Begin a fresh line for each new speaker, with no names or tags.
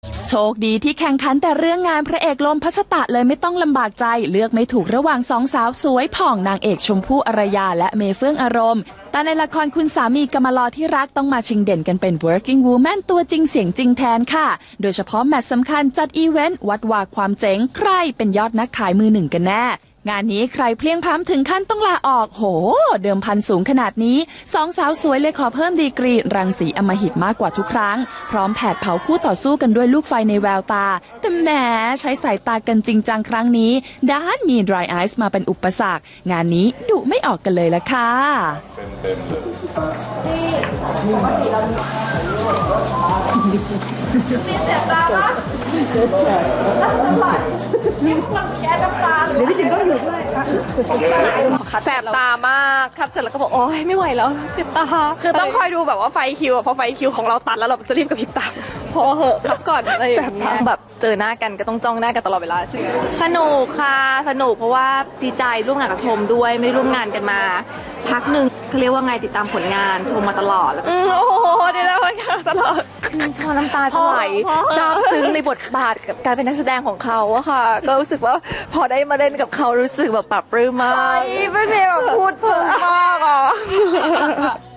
โชคดีที่แข่งขันแต่เรื่องงานพระเอกลมพัชตะเลยไม่ต้องลำบากใจเลือกไม่ถูกระหว่างสองสาวสวยผ่องนางเอกชมพู่อารยาและเมเฟื่องอารมณ์แต่ในละครคุณสามีกำมะลอที่รักต้องมาชิงเด่นกันเป็น working woman ตัวจริงเสียงจริงแทนค่ะโดยเฉพาะแมตช์สำคัญจัดอีเวนต์วัดวาความเจ๋งใครเป็นยอดนักขายมือหนึ่งกันแน่งานนี้ใครเพลียงพล้ำถึงขั้นต้องลาออกโหเดิมพันสูงขนาดนี้สองสาวสวยเลยขอเพิ่มดีกรีรังสีอำมหิตมากกว่าทุกครั้งพร้อมแผดเผาคู่ต่อสู้กันด้วยลูกไฟในแววตาแต่แหมใช้สายตากันจริงจังครั้งนี้ด้านมี dry eyes มาเป็นอุปสรรคงานนี้ดุไม่ออกกันเลยละค่ะมีเสียตาปะมีคนแก้น้ำตาหรือพี่จิ๋มก็อยู่ด้วย
แสบตามากคัดเสร็จแล้วก็บอกโอ๊ยไม่ไหวแล้วเจ็บตาคือต้องคอยดูแบบว่าไฟคิวพอไฟคิวของเราตัดแล้วเราจะรีบกระพริบตาพอเหอะพักก่อนอะไรอย่างเงี้ยแบบเจอหน้ากันก็ต้องจ้องหน้ากันตลอดเวลาสนุกค่ะสนุกเพราะว่าดีใจร่วมงานกับชมด้วยไม่ได้ร่วมงานกันมาพักหนึ่งเขาเรียกว่าไงติดตามผลงานชมมาตลอดแล้วโอ้โหดีแล้วค่ะตลอดชอบน้ำตาจะไหลซาบซึ้งในบทบาทกับการเป็นนักแสดงของเขาอะค่ะก็รู้สึกว่าพอได้มาเล่นกับเขารู้สึกแบบปรับปลื้มมากไม่มีแบบพูดเพิ่มมากอ่ะ